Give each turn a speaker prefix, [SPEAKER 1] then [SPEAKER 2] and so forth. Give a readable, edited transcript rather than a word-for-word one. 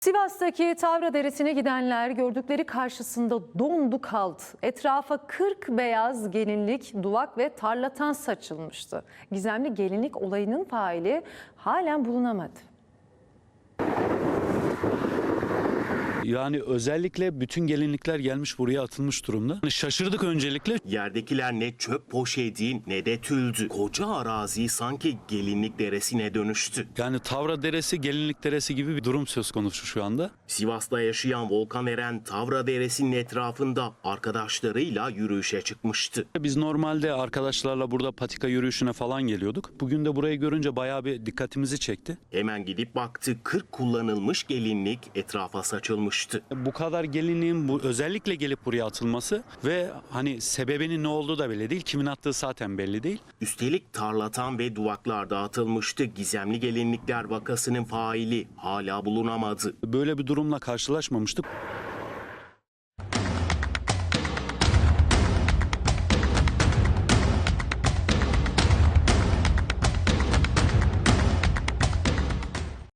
[SPEAKER 1] Sivas'taki Tavra Deresi'ne gidenler gördükleri karşısında dondu kaldı. Etrafa 40 beyaz gelinlik, duvak ve tarlatan saçılmıştı. Gizemli gelinlik olayının faili halen bulunamadı.
[SPEAKER 2] Yani özellikle bütün gelinlikler gelmiş buraya atılmış durumda. Şaşırdık öncelikle.
[SPEAKER 3] Yerdekiler ne çöp poşeti ne de tüldü. Koca arazi sanki gelinlik deresine dönüştü.
[SPEAKER 2] Yani Tavra Deresi, Gelinlik Deresi gibi bir durum söz konusu şu anda.
[SPEAKER 3] Sivas'ta yaşayan Volkan Eren Tavra Deresi'nin etrafında arkadaşlarıyla yürüyüşe çıkmıştı.
[SPEAKER 2] Biz normalde arkadaşlarla burada patika yürüyüşüne falan geliyorduk. Bugün de burayı görünce bayağı bir dikkatimizi çekti.
[SPEAKER 3] Hemen gidip baktı, 40 kullanılmış gelinlik etrafa saçılmıştı.
[SPEAKER 2] Bu kadar gelinliğin özellikle gelip buraya atılması ve hani sebebinin ne olduğu da belli değil. Kimin attığı zaten belli değil.
[SPEAKER 3] Üstelik tarlatan ve duvaklar dağıtılmıştı. Gizemli gelinlikler vakasının faili hala bulunamadı.
[SPEAKER 2] Böyle bir durumla karşılaşmamıştık.